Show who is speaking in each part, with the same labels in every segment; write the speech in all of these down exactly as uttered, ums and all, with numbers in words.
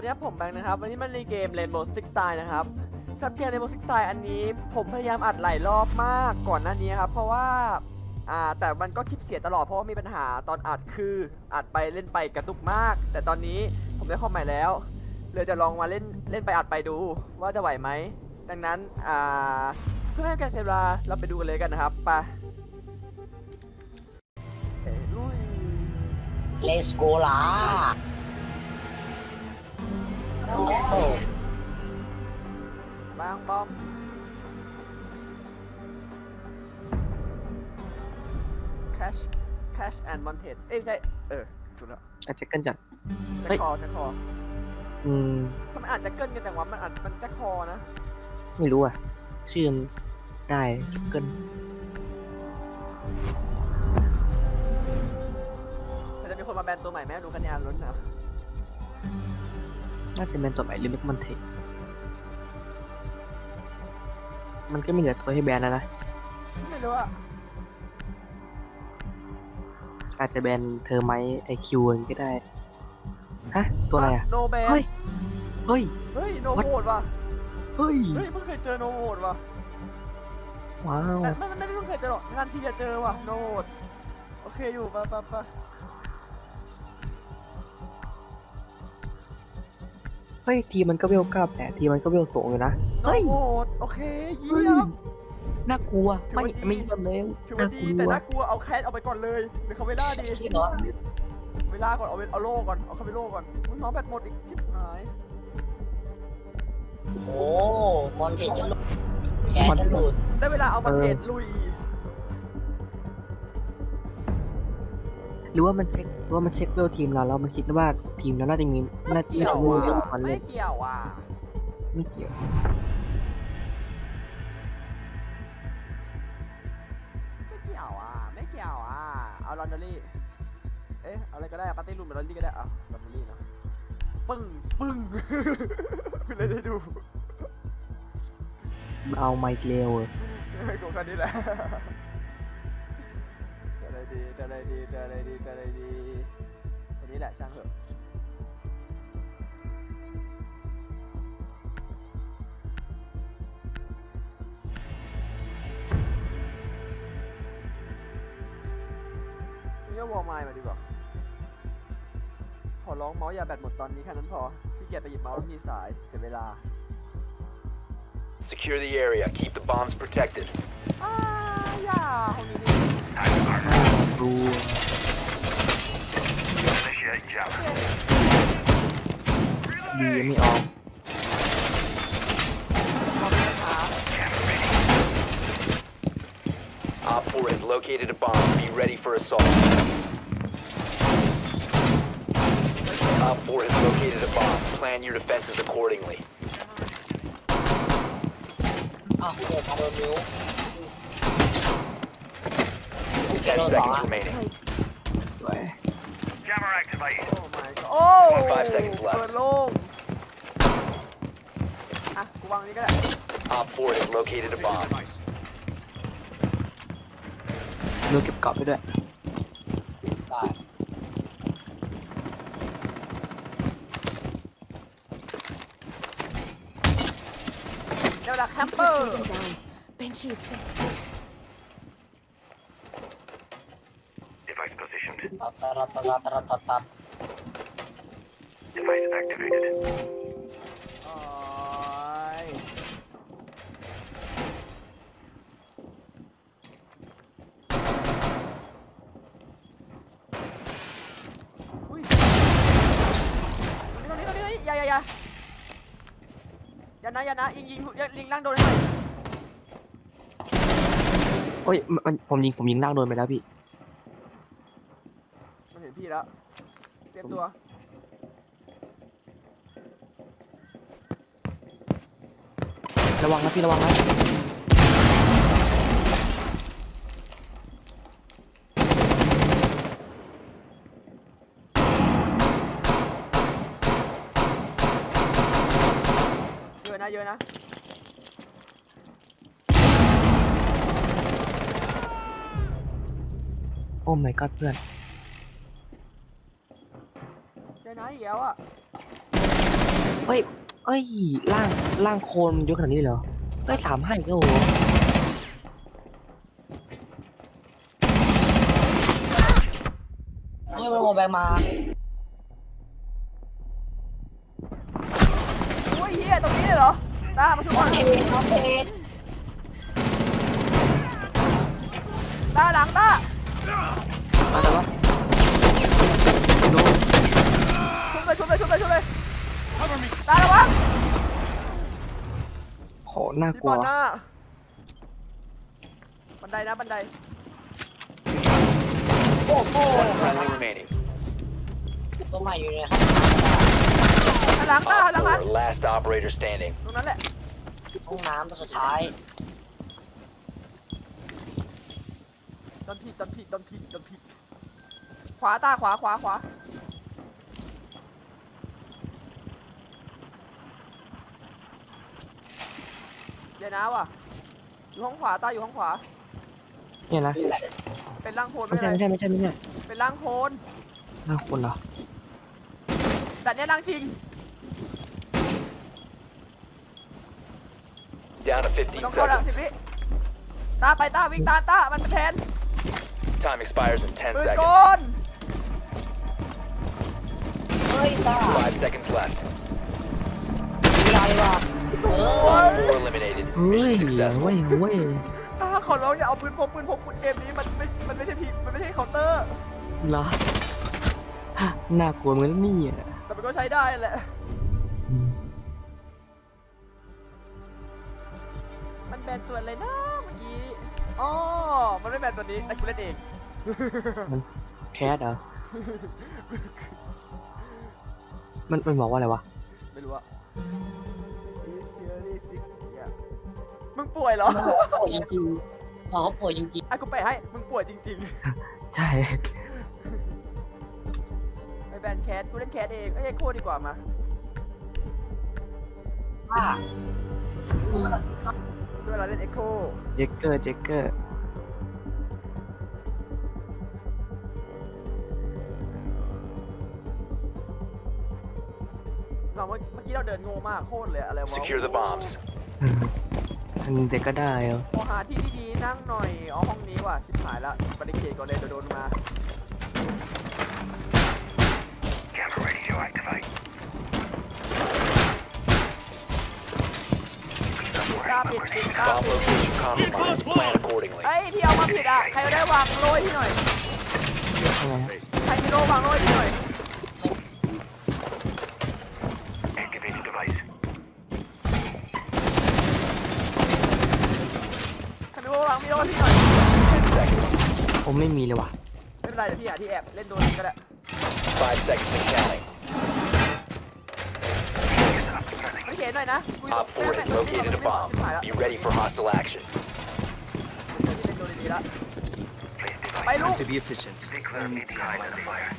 Speaker 1: วัสดีครับผมแบงค์นะครับวันนี้มันในเกม Rainbow Six Siege นะครับสำหรับเกม Rainbow Six Siege อันนี้ผมพยายามอัดหลายรอบมากก่อนหน้านี้ครับเพราะว่าอ่าแต่มันก็คลิปเสียตลอดเพราะว่ามีปัญหาตอนอัดคืออัดไปเล่นไปกระตุกมาก แต่ตอนนี้ผมได้คอมใหม่แล้วเลยจะลองมาเล่นเล่นไปอัดไปดูว่าจะไหวไหมดังนั้นอ่าเพื่อไม่ให้การเสียเวลาเราไปดูกันเลยกันนะครับไปเอ้ยลุย
Speaker 2: Let's go ล่ะโอ้โห
Speaker 1: บางบอมแคชแคชแอนด์มอนเทดเอ้ยไม่ใช่เออถูกแล้ว
Speaker 3: อาจจะกันจัด
Speaker 1: แจ็
Speaker 3: เฮ้
Speaker 1: ค
Speaker 3: ย
Speaker 1: คอแจ็คคอ
Speaker 3: อืม
Speaker 1: ทำไมอ่านแจ็คเกิลกันจังวะมันอ่านมันแจ็คคอนะ
Speaker 3: ไม่รู้อ่ะ ชื่อมันได้เกิน
Speaker 1: แต่จะมีคนมาแบนตัวใหม่ไหมดูคะแนนล้นนะ
Speaker 3: น่าจะเป็นตัวใหม่หรือไม่ก็มันเทคมันก็ไม่เหลือตัวให้แบนแล้วนะ
Speaker 1: ไม่รู้อะ
Speaker 3: อาจจะแบนเธอไหมไอคิวก็ได้ ฮะ ตัวอะไรอ่ะ
Speaker 1: โนแบน
Speaker 3: เฮ้ย เฮ้ย
Speaker 1: เฮ้ยโน
Speaker 3: What?
Speaker 1: โหดว่ะ
Speaker 3: เฮ้ย
Speaker 1: เฮ้ยเพิ่งเคยเจอโนโหดว่ะ
Speaker 3: ว้าว
Speaker 1: แต่ไม่ไม่ไม่เพิ่งเคยเจอหรอกนานทีจะเจอว่ะโนโหดโอเคอยู่ปะปะปะ
Speaker 3: เฮ้ย ทีมันก็เวลเก้าแปดทีมันก็เวลสูงอยู่นะ
Speaker 1: โน
Speaker 3: เฮ้ย
Speaker 1: โหดโอเคเยี่
Speaker 3: เฮ้ย
Speaker 1: ยม
Speaker 3: น่ากลัว ไม่
Speaker 1: ถือว่าดี
Speaker 3: ไม่เยี่ยมเลย
Speaker 1: ถือ
Speaker 3: น่า
Speaker 1: ว่าก ดี
Speaker 3: ลั
Speaker 1: แต่
Speaker 3: ว
Speaker 1: น่ากลัวเอาแคสเอาไปก่อนเลยหรือเขาเวล่าดี
Speaker 2: ที่เหรอ
Speaker 1: เวลาก่อนเอาเวเอาโล่ก่อนเอาเข้าไปโล่ก่อนอุ๊ยน้องแบตหมดอีกชิบหาย
Speaker 2: โอ้มอนเทจจะหลุดแคสจะหลุด
Speaker 1: ได้เวลาเอามาเทรดลุย
Speaker 3: หรือว่ามันเช็คหรือว่ามันเช็คเวลทีมเราแล้วมันคิดว่าทีมเราน่าจะมีน่าจะ
Speaker 1: เกี่ยว
Speaker 3: มี
Speaker 1: ว่ะ
Speaker 3: เวลมัน
Speaker 1: ไม่
Speaker 3: เล่น
Speaker 1: เกี่ยวว่ะ
Speaker 3: ไม่เกี่ยว
Speaker 1: ไม่เกี่ยวอ่ะไม่เกี่ยวอ่ะเอาลอนดอรี่เอ๊ะเอาอะไรก็ได้ปาร์ตี้รูมหรือลอนดอรี่ก็ได้เอาลอนดอรี่เนาะปึ้งปึ้ง พี่เลยได้ดู
Speaker 3: เอาไมค์เร็ว
Speaker 1: กูคันนี้แหละแต่อะไรดีแต่อะไรดีแต่อะไรดีแต่อะไรดีตัวนี้แหละช่างเถอะนี่ก็วอลไมล์มาดีกว่าขอร้องเมาส์อย่าแบตหมดตอนนี้แค่นั้นพอขี้เกียจไปหยิบเมาส์แล้วมีสายเสียเวลา
Speaker 4: Secure the area. Keep the bombs protected.
Speaker 1: อ้าอย่าห้องนี้นี่
Speaker 3: ดู
Speaker 4: Initiate jump.
Speaker 3: ดีไม่ออก
Speaker 4: Op four has located a bomb. Be ready for assault. Op four has located a bomb. Plan your defenses accordingly.
Speaker 2: อ้าวเดี๋ยวมาโดนนิ้ว
Speaker 4: Ten seconds remaining.
Speaker 3: สวย
Speaker 4: Jammer activated.
Speaker 1: โอ้ my god โอ้
Speaker 4: Five seconds left
Speaker 1: เปิดโล่งอ่ะกูวางนี้ก็ได้
Speaker 4: Op four has located a bomb.
Speaker 3: ดูเก็บกรอบไปด้วย
Speaker 2: ได้
Speaker 1: เดี๋ยวเวลาแคมเปอร์
Speaker 5: Benchy is set.
Speaker 4: Device positioned.
Speaker 2: ตัดตัดตัดตัดตัดตัดตัด
Speaker 4: Device activated.
Speaker 1: โอ้ยอุ้ยตรงนี้ตรงนี้ตรงนี้อย่าอย่าอย่าอย่านะอย่านะยิงยิงยิงล่างโดนให้หน่อย
Speaker 3: โอ้ยมันมันผมยิงผมยิงล่างโดนไปแล้วพี่
Speaker 1: มันเห็นพี่แล้วเตรียมตัว
Speaker 3: ระวังนะพี่ระวังนะ
Speaker 1: เยอะนะเยอะนะ
Speaker 3: โอ้ my god เพื่อน
Speaker 1: เยอะนะอีกแล้วอ่ะ
Speaker 3: เฮ้ยเอ้ยล่างล่างโคนเยอะขนาดนี้เลยเหรอเฮ้ยสามห้าอีกแล้วเหรอ
Speaker 2: เฮ้ยมันโมแบงมา
Speaker 1: อุ้ยเฮียตรงนี้เลยเหรอตามาช่วย
Speaker 2: โอ
Speaker 1: ก่อน
Speaker 2: เคโอเค
Speaker 1: ตาหลังตา
Speaker 3: มาแต่ว่าโดน
Speaker 1: ชุบเลยชุบเลยชุบเลยชุบเลยตาระวัง
Speaker 3: โหน่าก
Speaker 1: ที่
Speaker 3: ลัว
Speaker 1: บอลหน้าบันไดนะบันได
Speaker 2: โอ้โห
Speaker 4: Friendly remaining.
Speaker 2: ตัวใหม่อยู่เนี่ยครับ
Speaker 1: หันหลังตาหันหลัง
Speaker 4: Op
Speaker 1: หัน
Speaker 4: four, last operator standing.
Speaker 1: ตรงนั้นแหละ
Speaker 2: ห้องน้ำตัวสุดท้าย
Speaker 1: โดนผิดโดนผิดโดนผิดโดนผิดขวาตาขวาขวาขวาเดี๋ยวนะว่ะอยู่ห้องขวาตาอยู่ห้องขวา
Speaker 3: เนี่ยนะ
Speaker 1: เป็นร่างโพล
Speaker 3: ไม่
Speaker 1: ไม่
Speaker 3: ใช่
Speaker 1: เป็น
Speaker 3: ไม่
Speaker 1: ไร
Speaker 3: ใช่ไม่ใช่ไม่ใช่
Speaker 1: เป็นร่างโพล
Speaker 3: ล่างคนเหรอ
Speaker 1: แต่เนี้ยร่างจริง
Speaker 4: Down to
Speaker 1: มัน
Speaker 4: fifteen
Speaker 1: ต้องเข้าหลัง
Speaker 4: seconds.
Speaker 1: สิบวิตาไปตาวิ่งตามตามันเป็นแทน
Speaker 4: Time expires in ten
Speaker 1: ปืนก
Speaker 4: seconds.
Speaker 1: ล
Speaker 2: เฮ้ยตา
Speaker 4: Five seconds left.
Speaker 2: มีอะไรวะเออ
Speaker 4: Op four eliminated.
Speaker 3: เฮ้ย
Speaker 4: Mission
Speaker 3: เว้ย
Speaker 4: successful.
Speaker 3: เว้ย
Speaker 1: ตาขอร้องอย่าเอาปืนพกปืนพกปืนเกมนี้มันไม่มันไม่ใช่พีมันไม่ใช่เคาน์เตอร์
Speaker 3: เหรอน่ากลัวเหมือนนี่อ่ะ
Speaker 1: แต่มันก็ใช้ได้แหละ
Speaker 3: อืม
Speaker 1: มันแบนตัวอะไรนะเมื่อกี้ อ๋อ มันไม่แบนตัวนี้แต่กูเล่นเอง
Speaker 3: มันแคสเหรอมันมันบอกว่าอะไรวะ
Speaker 1: ไม่รู้อะมึงป่วยเหรอ
Speaker 2: ป่วยจริงๆอ๋อเขาป่วยจริง
Speaker 1: ไอ้กูไปให้ มึงป่วยจริง
Speaker 3: ใช่
Speaker 1: ๆไอ้แบนแคสกูเล่นแคสเองเอ้ยเอ็กโคดีกว่ามา
Speaker 2: ๆป้า
Speaker 1: ด้วยเวลาเล่นเอ็กโค
Speaker 3: เจคเกอร์เจคเกอร์
Speaker 1: เราเมื่อเมื่อกี้เราเดินโง่มากโคตรเลยอะไรวะ
Speaker 4: Secure the bombs.
Speaker 3: อันเด็กก็ได้เหรอ
Speaker 1: โอหาที่ดีๆนั่งหน่อย อ๋อห้องนี้ว่ะ ชิบหายละบริเกตก่อนเลยเดี๋ยวโดนมา กล้าปิดปิดกล้า
Speaker 4: Bomb
Speaker 1: ปิด
Speaker 4: location compromised. Plan accordingly.
Speaker 1: ไอ้ยที่เอามาผิดอ่ะ ใครได้วางโรยที่หน่อย
Speaker 3: ทำไง
Speaker 1: ใครมีโรวางโรยที่หน่อย ใครมีโรวางมีโรที่หน่อย
Speaker 4: Ten seconds.
Speaker 3: ผมไม่มีเลยว่ะ
Speaker 1: ไม่เป็นไรเดี๋ยวพี่หาที่แอบเล่นโดนก็ได้
Speaker 4: Five seconds and counting.
Speaker 1: ไม่เขียนหน่อยนะกูอยู่
Speaker 4: Op four has located a bomb.
Speaker 1: ชิบหายละ
Speaker 4: Be ready for hostile action.
Speaker 1: เล่นโดนดีๆละไปลูก
Speaker 6: To be efficient. Only behind the fire.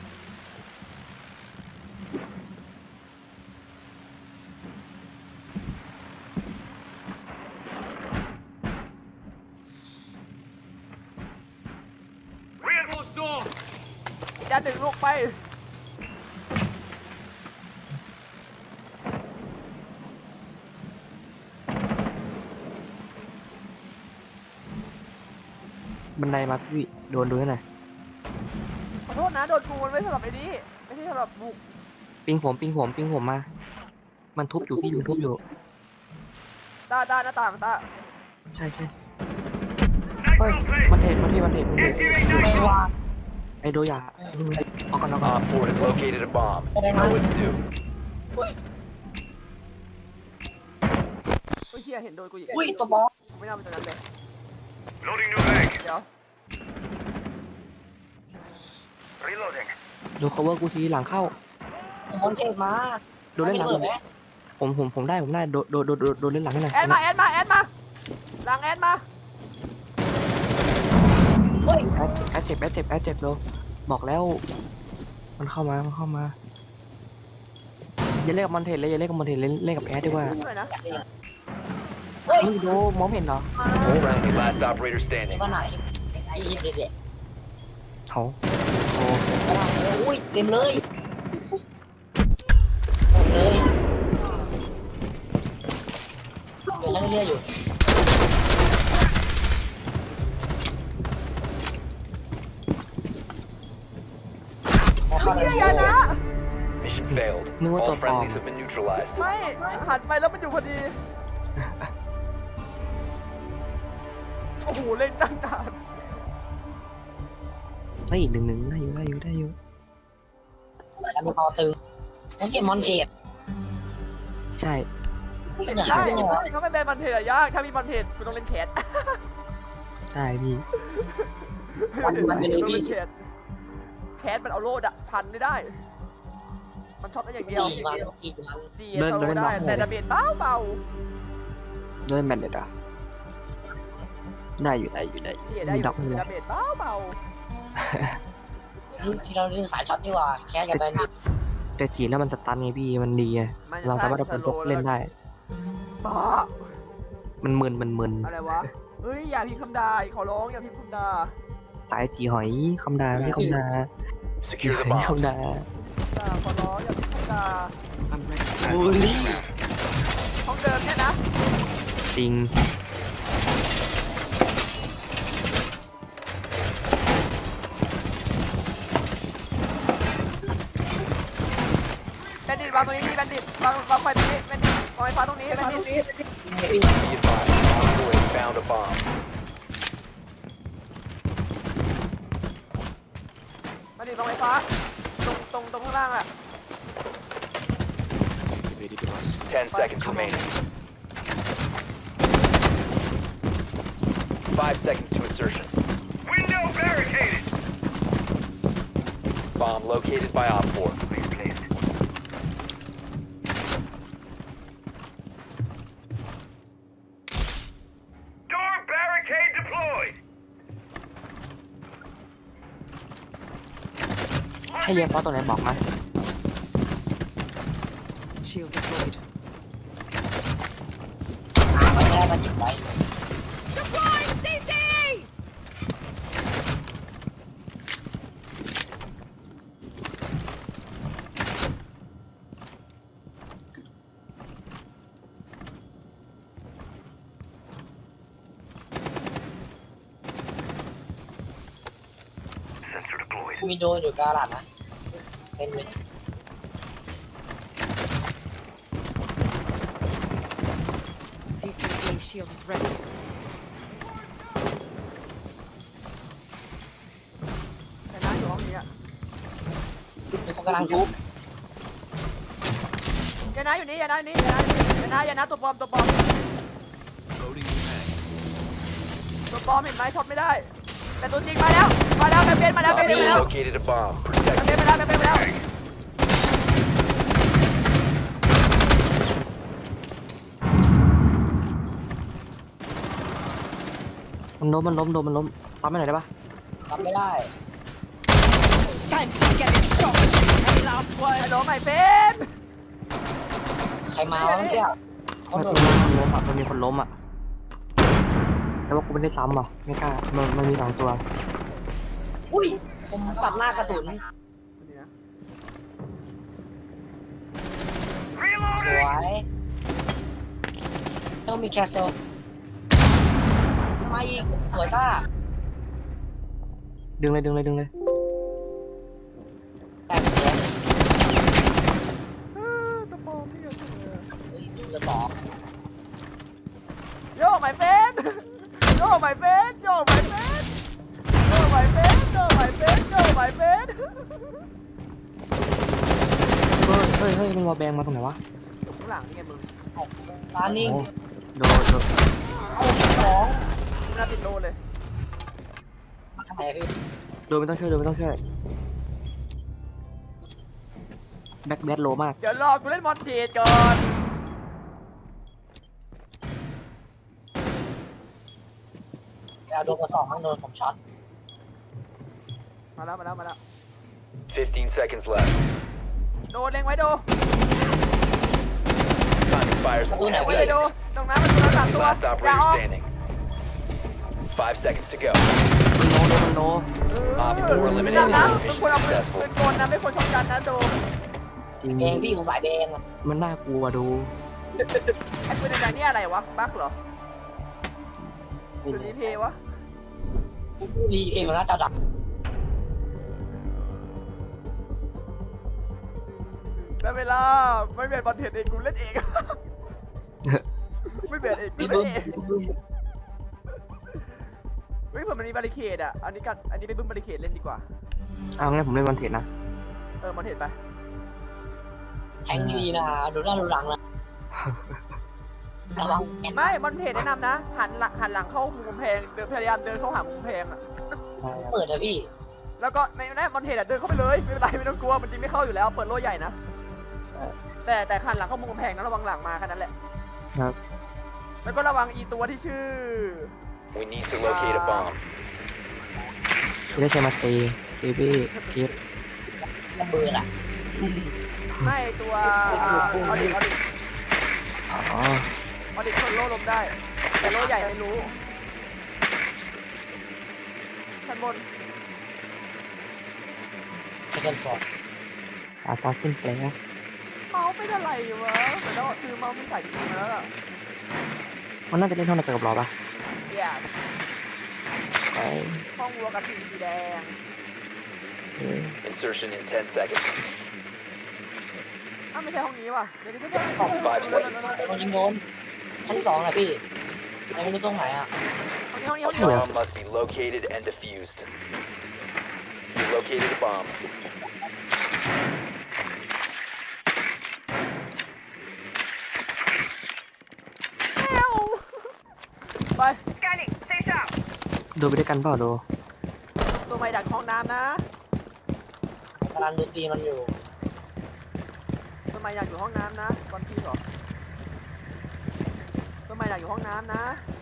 Speaker 6: Reinforced door.
Speaker 1: ด้านหนึ่งลูกไป
Speaker 3: บันไดมาพี่โดนดูให้หน่อย
Speaker 1: ขอโทษนะ โดนกูมันไม่สำหรับไอ้นี่ไม่ใช่สำหรับบุก
Speaker 3: ปิงผมปิงผมปิงผมมา มันทุบอยู่พี่มันทุบอยู่
Speaker 1: ตาตาหน้าต่างตา
Speaker 3: ใช่ใช่เฮ้ยมันเห็นมันเห็นมันเห็นมันเห็น
Speaker 2: ไม่ว่า
Speaker 3: ไอโดยาเอาก่อนเอาก่อน
Speaker 4: Op four has located a bomb.
Speaker 2: Okay,
Speaker 4: Know what to do.
Speaker 1: เฮ้ยเฮียเห็นโดนกูอีก
Speaker 2: อุ้ยตัวบอส
Speaker 1: ไม่น่าเป็นตัวนั้นเลย
Speaker 6: Loading new mag.
Speaker 1: เดี๋ยว
Speaker 6: Reloading.
Speaker 3: ดู cover กูทีหลังเข้า
Speaker 2: มอนเทปมา
Speaker 3: โดนเล่นหลัง
Speaker 2: เปิดไหม
Speaker 3: ผมผมผมได้ผมได้โดนโดนโดนโดนโดนเล่นหลังให้หน่อย
Speaker 1: แอดมาแอดมาแอดมาหลังแอดมา
Speaker 2: เฮ้ย
Speaker 3: แอดแอดเจ็บแอดเจ็บแอดเจ็บโดบอกแล้ว มันเข้ามามันเข้ามาอย่าเล่นกับมันเทนเลยอย่าเล่นกับมันเทนเล่นเล่นกับแอดดีกว่า
Speaker 1: หน่อยนะ
Speaker 2: เฮ้ย
Speaker 3: นี่โดมองไม่เห็นเหรอ
Speaker 4: Friendly last operator
Speaker 2: เด็
Speaker 4: standing.
Speaker 2: กว่าไหนไอ้เด็กเด็ก
Speaker 3: เขาโอ้
Speaker 2: อุ้ยเต็มเลยหมดเลยเรียกอยู่
Speaker 1: ไอ้เหี้ยอย่านะ
Speaker 4: Mission failed.
Speaker 3: Nung
Speaker 4: All
Speaker 3: ito,
Speaker 4: friendlies
Speaker 3: Tom.
Speaker 4: have been neutralized.
Speaker 1: ไม่หันไปแล้วมันอยู่พอดี โอ้โหเล่นตั้งนาน
Speaker 3: เฮ้ยหนึ่งหนึ่งได้อยู่ได้อยู่ได้อยู่
Speaker 2: แต่มีพอตึงต้องเก็บมอนเทส
Speaker 3: ใช่
Speaker 2: เป็นอย่าง
Speaker 1: ใช่
Speaker 2: นี้เหรอ
Speaker 1: ถ้าไม่เป็นบอลเทนอะยากถ้ามีบอลเทนคุณต้องเล่นแคท
Speaker 3: ใช่พี่
Speaker 2: วันมันเป็น
Speaker 1: ต้อง
Speaker 2: พี่
Speaker 1: เล่นแคทแคทมันเอาโล่ดะพันไม่ได้ มันช็อตได้อย่างเดียว
Speaker 2: ตีมันตีมัน
Speaker 1: จี เอส โซได้แต่ดาเมจเบาเบา
Speaker 3: ด้วยแมนเด็ดอ่ะได้อยู่ได้อยู่ได้
Speaker 1: ๆจีได้อยู่
Speaker 3: ดับ
Speaker 1: แต่
Speaker 3: เลย
Speaker 1: ดาเมจเบาเบา
Speaker 2: ที่เราเล่นสายช็อตดีกว่าแค่อย่าไปนิด
Speaker 3: แต่จีนแล้วมันสตันไงพี่มันดีไง
Speaker 1: ๆมันจะ
Speaker 3: เราสามารถ
Speaker 1: ใช้
Speaker 3: เอาเป็นพวกเล่นได้
Speaker 1: บ้า
Speaker 3: มันมึนมันมึน
Speaker 1: อะไรวะ เฮ้ยอย่าพิมพ์คำด่าขอร้องอย่าพิมพ์คำด่า
Speaker 3: สายจีหอยคำดาไม่ใช่คำดาจี
Speaker 4: Secure
Speaker 3: ห
Speaker 4: the
Speaker 3: อยไม่
Speaker 4: bomb.
Speaker 3: คำดา
Speaker 1: ด่าขอร้องอย่าพิมพ์คำด่า
Speaker 2: บูลลี่
Speaker 1: ห้องเดิมเนี่ยนะ
Speaker 3: จริง
Speaker 1: แบนดิตวางตรงนี้พี่แบนดิตวางวางไฟตรงนี้แบนดิตวางไฟฟ้าตรงนี้แบนดิต
Speaker 4: Be advised, Op four has found a bomb.
Speaker 1: แบนดิตวางไฟฟ้าตรงตรงตรงข้างล่างอะ
Speaker 4: Ten seconds remaining. Five seconds to insertion.
Speaker 6: Window barricaded.
Speaker 4: Bomb located by Op four.
Speaker 6: Please placed. Door barricade deployed.
Speaker 3: ให้เรียนเพราะตัวไหนบอกมา
Speaker 5: Shield deployed.
Speaker 2: หาไม่ได้มันหยิบไว้
Speaker 5: Deploying C C!
Speaker 2: มีโดนอยู่กาลาดนะเป็นเลย
Speaker 5: C C A shield is ready.
Speaker 1: แต่น้าอยู่ห้องนี้อะ
Speaker 2: มีคนกำลังทุบ
Speaker 1: อย่าน้าอยู่นี่อย่าน้าอยู่นี่อย่าน้าอยู่นี่อย่าน้าอย่าน้าตัวปลอมตัวปลอมตัวปลอมเห็นไหมช็อตไม่ได้ แต่ตัวจริงมาแล้วมาแล้วแบนเป็นมาแล้ว
Speaker 4: Op
Speaker 1: แบนเป็น
Speaker 4: four
Speaker 1: มาแล้ว
Speaker 4: located a bomb.
Speaker 1: แบ
Speaker 4: Protect
Speaker 1: นเป็นมาแล้วแบนเป็นมาแล้ว
Speaker 3: มันล้มมันล้มโดนมันล้มซ้ำไปหน่อยได้ปะ
Speaker 2: ทำไม่ได้
Speaker 5: Thanks for getting shot. Any last
Speaker 1: ฮัล
Speaker 5: word?
Speaker 1: โหลใหม่เป็น
Speaker 2: ใครมาวะเมื่อกี้เขา
Speaker 3: มัน
Speaker 2: โด
Speaker 3: มี
Speaker 2: น
Speaker 3: คนล้มอ่ะมันมีคนล้มอ่ะแต่ว่ากูไม่ได้ซ้ำอ่ะไม่กล้ามันมันมีสองตัว
Speaker 2: อุ้ยผมตัดหน้ากระสุน
Speaker 1: นี่นะ
Speaker 2: สวยต้องมีแคสโตมาอีกสวยต้า
Speaker 3: ดึงเลยดึงเลยดึงเลย
Speaker 2: แต่เสีย
Speaker 1: เออตัวปลอมนี่ก็คือ
Speaker 2: เฮ้ยดูละสอง
Speaker 1: โยกใหม่เป็นโยกใหม่เป็นโยกใหม่เป็นโยกใหม่เป็นโยกใหม่เป็นโยกใหม่เป็น
Speaker 3: เฮ้ยเฮ้ยเฮ้ยมันวอลแบงมาตรงไหนวะ
Speaker 1: ข้างหลังนี่ไงมึง
Speaker 2: ตานิ่ง
Speaker 3: โอ้โดนโดน
Speaker 2: เอาสอง
Speaker 1: หน้าติดโลเลย
Speaker 2: มาทำไมอะพี่
Speaker 3: โดนไม่ต้องช่วยโดนไม่ต้องช่วยแบ็คแบทโลมาก
Speaker 1: เดี๋ยวรอกูเล่นมอนเทจก่อน
Speaker 2: เอาโดนกระสอบข้างโดนผมช็อต
Speaker 1: มาแล้วมาแล้วมาแล้ว
Speaker 4: fifteen seconds left.
Speaker 1: โดนเล็งไว้โด
Speaker 4: Time expires
Speaker 2: ประตูไหน
Speaker 1: เล็งไว้
Speaker 2: พี่
Speaker 1: เลยโดตรงนั้นมันตัวละสามตัว
Speaker 4: Last
Speaker 1: อย่า
Speaker 4: operator
Speaker 1: ออก
Speaker 4: standing. Five seconds to go.
Speaker 3: มันโลโดนมันโล
Speaker 4: Op four
Speaker 1: ดัง
Speaker 4: eliminated.
Speaker 1: นะ
Speaker 4: Mission
Speaker 1: มึงควรเอาปืน
Speaker 4: successful.
Speaker 1: ปืนกลนะไม่ควรช็อตกันนะโด
Speaker 3: จริง
Speaker 2: เองพี่ผมสายเบงอะ
Speaker 3: มันน่ากลัวดู
Speaker 1: ไอ้ปืนแดงๆนี่อะไรวะบั๊กเหรอหรือรีเพย์วะ
Speaker 2: รีเองมันน่าจะดับ
Speaker 1: ได้เวลาไม่เบียดบอลเทรดเองกูเล่นเอง ไม่เบียดเองกู
Speaker 2: พี่
Speaker 1: เล่
Speaker 2: บึ้
Speaker 1: น
Speaker 2: ม
Speaker 1: เองเฮ้ยผมมันมีบาริเคดอ่ะอันนี้กันอันนี้ไปบึ้มบาริเคดเล่นดีกว่า
Speaker 3: เอางั้นผมเล่นมอนเทนนะ
Speaker 1: เออมันเห็นไป
Speaker 2: แทงดีนะดูหน้าดูหลังนะระวังแอน
Speaker 1: ไม่มันเห็นแนะนำนะหันหลังหันหลังเข้ามุมกำแพงเดินพยายามเดินเข้าหามุมกำแพงอ่ะ
Speaker 2: เปิดนะพี่
Speaker 1: แล้วก็ในนั้นมันเห็นอ่ะเดินเข้าไปเลยไม่เป็นไรไม่ต้องกลัวมันจริงไม่เข้าอยู่แล้วเปิดโล่ใหญ่นะแต่แต่หันหลังเข้ามุมกำแพงนะระวังหลังมาแค่นั้นแหละ
Speaker 3: ครับ
Speaker 1: แล้วก็ระวังอีตัวที่ชื่อ
Speaker 4: We need to locate a bomb.
Speaker 3: ไม่ได้ใช้มาเซเบบี้เก็บ
Speaker 2: ระเบิดอ่ะ
Speaker 1: ไม่ตัวออดิออดิ
Speaker 3: อ๋อ
Speaker 1: ออดิชนโล่ลมได้ แต่โล่ใหญ่ไม่รู้ชั้นบน
Speaker 2: เซ็นฟอร์ด
Speaker 3: อาตาขึ้นแปลส
Speaker 1: เมาส์เป็นอะไรวะแต่ต้องซื้อเมาส์มีสายจริงๆมาแล้วล่ะ
Speaker 3: มันน่าจะเล่นเท่านั้นกับเราปะ
Speaker 1: เดี๋ยว
Speaker 3: ไป
Speaker 1: ห้องวัวกับสีสีแดง
Speaker 3: เออ
Speaker 4: Insertion in ten seconds.
Speaker 1: อ้าวไม่ใช่ห้องนี้ว่ะเดี๋ยวเดี๋ยวเดี๋ยว
Speaker 4: Five
Speaker 1: เดี๋ยว
Speaker 4: seconds.
Speaker 2: คนยิงโดนชั้นสองนะพี่แต่ไม่รู้ตรงไหนอ่ะ
Speaker 1: ห้องนี้ห้องนี้ห้องนี้
Speaker 4: Bomb must be located and defused. You located a bomb.
Speaker 1: แมวไป
Speaker 6: Scanning. Stay sharp.
Speaker 3: ดูไปด้วยกันเปล่าดู
Speaker 1: ตัวใหม่ดักห้องน้ำนะ
Speaker 2: กำลังดูตีมันอยู่
Speaker 1: ตัวใหม่อยากอยู่ห้องน้ำนะบอลพี่เหรอตัวใหม่อยากอยู่ห้องน้ำนะ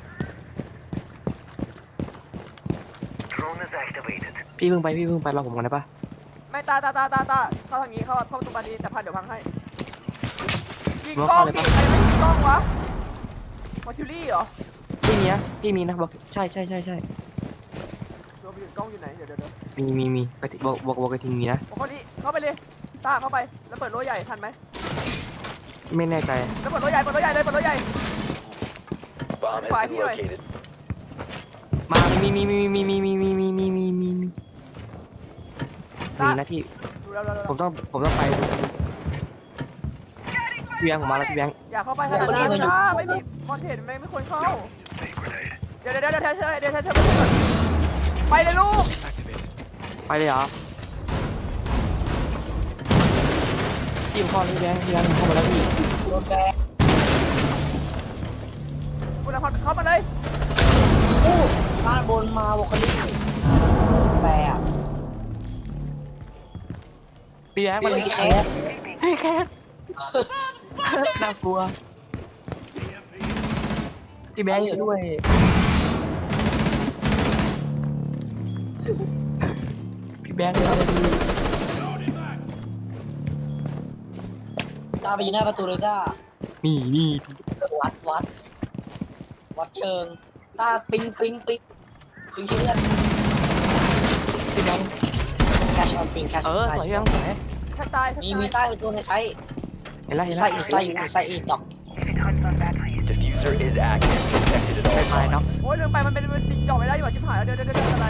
Speaker 6: Drone is activated.
Speaker 3: พี่เพิ่งไปพี่เพิ่งไปรอผมก่อนได้ปะ
Speaker 1: ไม่ตาตาตาตาตาเข้าทางนี้เข้าเข้าประตูบานนี้แต่พันเดี๋ยวพังให้ยิงกล้องดิใครไม่ยิงกล้องวะมอทิวลี่เหรอ
Speaker 3: พี่มีนะพี่มีนะบอกใช่ใช่ใช่ใช่
Speaker 1: เดี๋ยวไปยืนกล้องอยู่ไหนเดี๋ยวเดี๋ยวเดี๋ยว
Speaker 3: มีมีมีกระติบอกบอกบอกกระทิงมีนะ
Speaker 1: โอ้โหนี่เข้าไปเลยตาเข้าไปแล้วเปิดโล่ใหญ่ทันไหม
Speaker 3: ไม่แน่ใจ
Speaker 1: แล้วเปิดโล่ใหญ่เปิดโล่ใหญ่เลยเปิดโล่ใหญ่
Speaker 4: Bomb has
Speaker 1: Five
Speaker 4: been
Speaker 1: here.
Speaker 4: located.
Speaker 3: มามีมีมีมีมีมีมีมีมีมีมีมีมีนะพี่
Speaker 1: ดูแล้วแล้ว
Speaker 3: ผมต้องผมต้องไปพี่แบงค์ผมมาแล้วพี่แบงค์
Speaker 1: อย่าเข้าไปขนาดนั้นนะไม่มีคอนเทนต์ไม่ไม่ควรเข้าเดี๋ยวเดี๋ยวเดี๋ยวเดี๋ยวเธอเดี๋ยวเธอเธอไปเลยลูก
Speaker 3: ไปเลยเหรอพี่ผมเข้าแล้วพี่แบงค์พี่แบงค์ผมเข้ามาแล้วพี่
Speaker 2: โดนแบน
Speaker 1: คุณละครเข้ามาเลย
Speaker 2: อู้บ้านบนมาวอคลี่แปรอ่ะ
Speaker 3: พี่แบงค์มันเลย
Speaker 2: แค
Speaker 3: แค
Speaker 2: ส
Speaker 3: สพี่แคสน่ากลัวพี่แบงค์อยู่ด้วยพี่แบงค์เอาไปดู
Speaker 2: ตาไปยืนหน้าประตูเลยจ้า
Speaker 3: นี่นี่
Speaker 2: วัดวัดวัดเชิงตาปิงปิงปิงปิงที่เลือด
Speaker 3: พี่แบงค์
Speaker 2: แคชออนปิงแคช
Speaker 3: เออสวยยังสวย
Speaker 1: แค่ตาย
Speaker 2: มีมีใต้ตัวในไซส์
Speaker 3: เห็นแล้วเห็นแล้
Speaker 2: ไส้
Speaker 3: ว
Speaker 2: อีไส้อยู่ไส้อีดอก
Speaker 4: Diffuser is active. Protected at
Speaker 3: ไป
Speaker 4: all
Speaker 3: ไปเนาะ
Speaker 4: times.
Speaker 1: โอ้ยลืมไปมันเป็นมันติดจ่อไม่ได้อยู่อ่ะชิบหายแล้วเดี๋ยวเดี๋ยวเดี๋ยวอะไร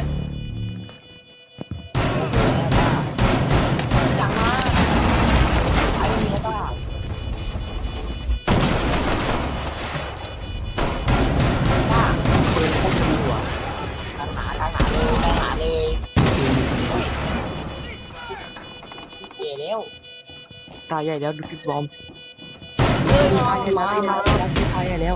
Speaker 2: จังมาไอ้มีแล้วก็
Speaker 3: ปืนพกดีว่ะ
Speaker 2: ทางหาทางหาเลยทางหาเลยเก๋แล้ว
Speaker 3: ตายใหญ่แล้วดูพี่บอม
Speaker 2: เฮ้ย
Speaker 3: ตา
Speaker 2: มา
Speaker 3: ยใหญ่
Speaker 2: มา
Speaker 3: แล้ว
Speaker 2: มา
Speaker 3: ตายใหญ่แล้ว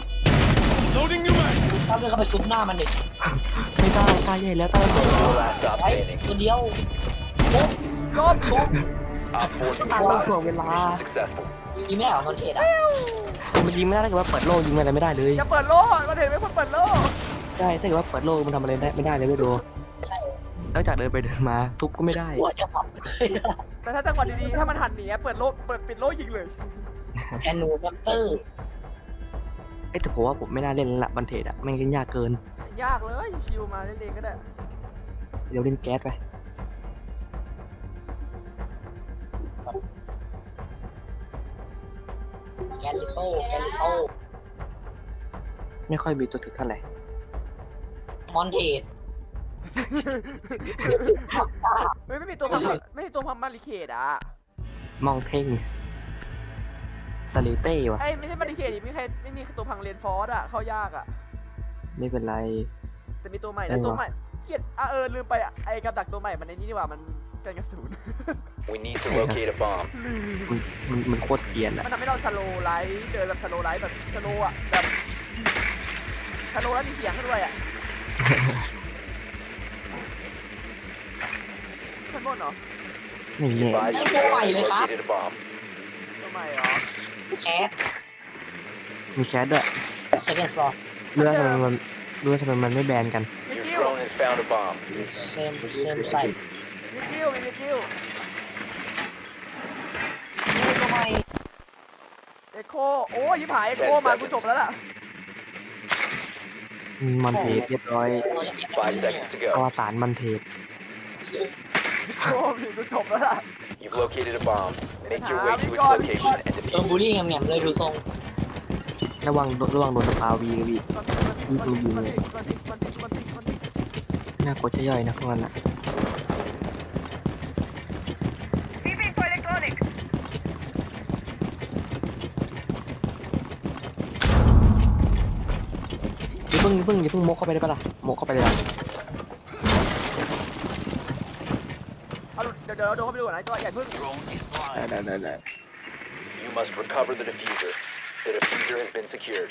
Speaker 2: ถ้าเพื่อนเขาไปซุบหน้ามันดิ
Speaker 3: ไม่ได้ตายใหญ่แล้วตายใหญ่แล้ว
Speaker 4: Last stop
Speaker 2: ไอ้
Speaker 4: standing.
Speaker 2: ตัวเดียว
Speaker 1: โยมโยม
Speaker 4: Op four
Speaker 3: ตายต้องถ่วงเวลา
Speaker 4: successful.
Speaker 2: ยิงไม่เหรอมันเทรดอ่ะ
Speaker 3: มันยิงไม่ได้ถ้าเกิดว่าเปิดโลยิงอะไรไม่ได้เลย
Speaker 1: อย่าเปิดโล่มันเห็นไหมคนเปิดโล่
Speaker 3: ใช่ถ้าเกิดว่าเปิดโลมันทำอะไรได้ไม่ได้เลยไม่ดู
Speaker 2: ใช่
Speaker 3: นอกจากเดินไปเดินมาทุบก็ไม่ได้
Speaker 2: หัวจะผับ
Speaker 1: แต่ถ้าจังหวะดีๆถ้ามันหันหนีเปิดโล่เปิดปิดโล่ยิงเลย
Speaker 2: แอนนูแรปเตอร์
Speaker 3: เอ้แต่ผมว่าผมไม่น่าเล่นละบันเทจอะแม่งเล่นยากเกิน
Speaker 1: ยากเลยชิวมาเล่นๆก็ได้
Speaker 3: เดี๋ยวเล่นแก๊สไป
Speaker 2: แกลิโต้แกลิโต้
Speaker 3: ไม่ค่อยมีตัวถึกเท่าไหร่
Speaker 2: มอนเทส
Speaker 1: เฮ้ยไม่มีตัวพังไม่มีตัวพังมาริเคดอ่ะ
Speaker 3: มองเท่งสลิเต้วะ
Speaker 1: ไอ้ยไม่ใช่มาริเคดดิไม่มีใครไม่มีตัวพังเรียนฟอร์สอ่ะเข้ายากอ่ะ
Speaker 3: ไม่เป็นไร
Speaker 1: แต่มีตัวใหม่
Speaker 3: เอ
Speaker 1: นะ
Speaker 3: อ
Speaker 1: ตัวใหม่เกลียดอ่ะเออลืมไปอ่ะไอ้กับดักตัวใหม่มันในนี้ดีกว่ามันกันกระสุน
Speaker 4: We need to locate a bomb.
Speaker 3: มันมันมันโคตรเกรียนอะ
Speaker 1: มันทำให้เราสโลว์ไลท์เดินแบบสโลว์ไลท์แบบสโลว์อ่ะแบบสโลว์แล้วมีเสียงขึ้นด้วยอ่ะขึ้นบนเหรอ
Speaker 3: นี่
Speaker 4: Be
Speaker 3: เนี่ย
Speaker 4: advised you have located a bomb.
Speaker 1: ตัวใหม่เหรอ
Speaker 2: แคส
Speaker 3: มีแคสด้วย
Speaker 2: second floor
Speaker 3: เรื่องทำไมมันเรื่องทำไมมันไม่แบนกัน
Speaker 1: มี
Speaker 4: Your
Speaker 1: จิ้ว
Speaker 4: drone has found a bomb.
Speaker 2: same same site
Speaker 1: มีจิ้วมีมีจิ้ว
Speaker 2: นี่ทำไม
Speaker 1: เอ็กโคโอ้ยยิบหายเอ็กโคมากูจบแล้วล่ะ
Speaker 3: มันเทสเรียบร้อย
Speaker 4: Five seconds to
Speaker 3: อว
Speaker 4: go.
Speaker 3: สานมันเทส
Speaker 1: เอ็กโคมีกูจบแล้วล่ะ
Speaker 4: You've located a bomb. Make your way to its
Speaker 1: Ah,
Speaker 4: location and
Speaker 2: โดน
Speaker 4: defuse
Speaker 2: บูลลี่แง่มๆเลยดูทรง
Speaker 3: ระวังระวังโดนสปาวีกับวี
Speaker 1: มันมันมันมันมันมันมันมัน
Speaker 3: น่ากลัวจะย่อยนะพวกนั้นอะ
Speaker 6: Leaving for electronics.
Speaker 3: อย่าเพิ่งอย่าเพิ่งอย่าเพิ่งโมกเข้าไปได้ปะล่ะโมกเข้าไปเลยอะ
Speaker 1: เอาเดี๋ยวเดี๋ยวเราโดนเข้าไปดูก่อนนะตัวใหญ่พึ่ง
Speaker 3: ได้ได้ได้ได้
Speaker 4: You must recover the diffuser. The diffuser has been secured.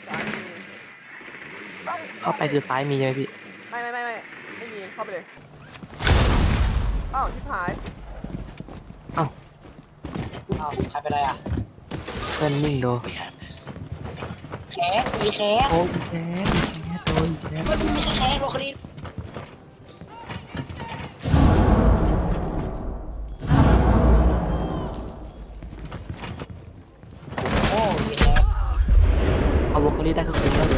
Speaker 3: เข้าไปคือซ้ายมีใช่ไหมพี่
Speaker 1: ไม่ไม่ไม่ไม่ไม่มีเข้าไปเลยอ้าวชิบหาย
Speaker 2: อ้าวใครเป็นไรอ่ะ
Speaker 3: เพื่อนนิ่งโด
Speaker 2: แคสมีแคส
Speaker 3: โอ้ยแคสแคสโดนแคส
Speaker 2: มันมีแคสโรคดีโอ้มีแคส
Speaker 3: เอาวอลคอรี่ได้คือคุ้มแล้วเลย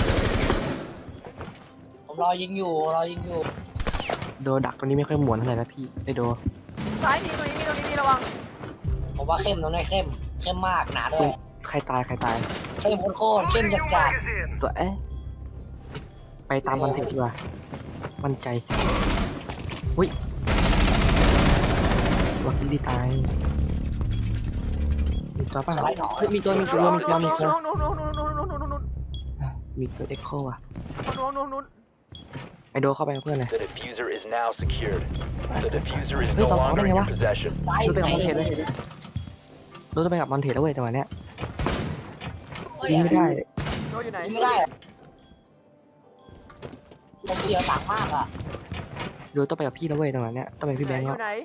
Speaker 2: ผมรอยิงอยู่รอยิงอยู่
Speaker 3: โดดักตัวนี้ไม่ค่อยหมวนเท่าไหร่นะพี่ไอโด
Speaker 1: ซ้ายมีตรงนี้มีตรงนี้มีระวัง
Speaker 2: ผมว่าเข้มตรงนี้เข้มเข้มมากหนาด้วย
Speaker 3: ใครตายใครตาย
Speaker 2: เข้มโคตรๆเข้มจัดจัด
Speaker 6: Magazine.
Speaker 3: สวยเอ๊ะไปตามมันเถอะดีกว่ามั่นใจอุ้ยวอลคอรี่ตายมีตัวป่ะเฮ้ยมีตัวมีตัวมีตัวมีตัว
Speaker 1: น้องน้องน้องน้องน้องน้องน้องน้องน้อง
Speaker 3: มีตัวเอ็กโคอ่ะ
Speaker 1: น้องน้องน้อง
Speaker 3: ไอโดเข้าไปกับเพื่อนเลย
Speaker 4: The diffuser is now secured. The diffuser is
Speaker 3: Hey,
Speaker 4: no
Speaker 3: sao
Speaker 4: longer
Speaker 3: pháo
Speaker 4: in
Speaker 3: đây
Speaker 4: your
Speaker 3: quá?
Speaker 4: possession.
Speaker 2: ซ้าย
Speaker 3: รู้ไป
Speaker 2: ไหน
Speaker 3: กับมอนเทสแล้วรู้จะไปกับมอนเทสแล้วเว้ยจังหวะเนี้ย
Speaker 2: เฮ้ย
Speaker 3: ยิงไม่ได้
Speaker 1: โดนอยู่ไหน
Speaker 2: ยิงไม่ได้อะผมเสียวหลังมากอ่ะ
Speaker 3: ดูต้องไปกับพี่แล้วเว้ยจังหวะเนี้ยต้องไปพี่แบงค์
Speaker 1: อ
Speaker 3: แล้ว
Speaker 1: ยู่ไหน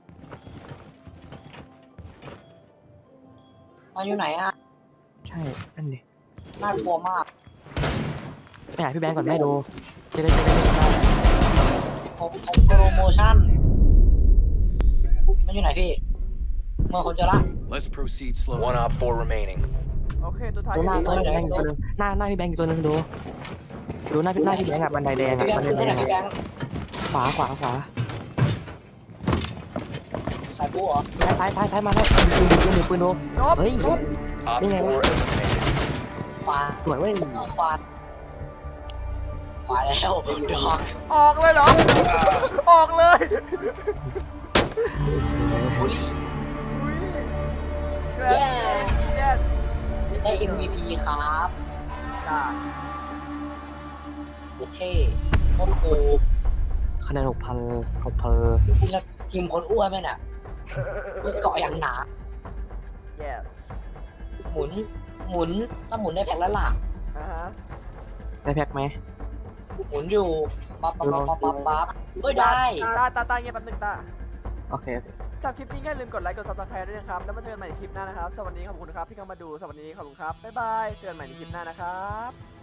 Speaker 2: มาอยู่ไหนอ่ะ
Speaker 3: ใช่นั่นดิ
Speaker 2: น่ากลัวมาก
Speaker 3: ไปหาพี่แบงค์ก่อนแม่ดูจะได้จะได้เล่นได้
Speaker 2: ผมผมโปรโมชั่นมันอยู่ไหนพี่เมื่อคนเจะละ
Speaker 7: Let's proceed
Speaker 4: One
Speaker 7: slowly.
Speaker 4: op four remaining.
Speaker 1: โอเคตัวท้าย
Speaker 3: ดู
Speaker 1: อ
Speaker 3: หน้า
Speaker 1: ยู่
Speaker 3: ตัว
Speaker 1: นี่
Speaker 3: พี่แบงค์อยู่ตัวนึงหน้าหน้าพี่แบงค์อยู่ตัวนึงดูดูหน้าพี่หน้าพี่แบงค์อะบันไดแดง
Speaker 2: พี่
Speaker 3: อะ
Speaker 2: แบง
Speaker 3: บัน
Speaker 2: ค์
Speaker 3: ได
Speaker 2: ขึ้น
Speaker 3: แด
Speaker 2: ที่ไหน
Speaker 3: ง
Speaker 2: พี่
Speaker 3: อะ
Speaker 2: แบงค์
Speaker 3: ขวาขวาขวา
Speaker 2: สายปูเหรอ
Speaker 3: ซ้ายซ้ายซ้ายมาแล้วปืนปืนปืนปืนโด
Speaker 1: นบ
Speaker 3: เฮ้ย
Speaker 1: นบ
Speaker 4: Op
Speaker 3: Đi ngay
Speaker 4: four
Speaker 3: quá.
Speaker 4: eliminated.
Speaker 2: ขวา
Speaker 3: สวยเว้ย
Speaker 2: ขวาขวาแล้วดอก
Speaker 1: ออกเลยเหรอ ออกเลย
Speaker 2: บุรี
Speaker 1: แกรนแกรน
Speaker 2: ได้ เอ็ม วี พี ครับ
Speaker 1: จ้า
Speaker 2: เท่โคตรคูล
Speaker 3: คะแนนหกพันหกพัน
Speaker 2: ทีละทีมคนอ้วนไหมเนี่ยเกาะอย่างหนา
Speaker 1: yes
Speaker 2: หมุน หมุนถ้าหมุนได้แพ็คแล้วล่ะ
Speaker 1: อ่าฮะ
Speaker 3: ได้แพ็คไหม
Speaker 2: หมุนอยู่ ปั๊บปั๊บปั๊บปั๊บปั๊บปั๊บเฮ้ยได้
Speaker 1: ตาตาตาเงียบแป๊บนึงตา
Speaker 3: โอเคโอเค
Speaker 1: สำหรับคลิปนี้ก็อย่าลืมกดไลค์กดซับสไครต์ด้วยนะครับ แล้วมาเจอกันใหม่ในคลิปหน้านะครับ สวัสดีขอบคุณครับที่เข้ามาดู สวัสดีขอบคุณครับ บ๊ายบาย เจอกันใหม่ในคลิปหน้านะครับ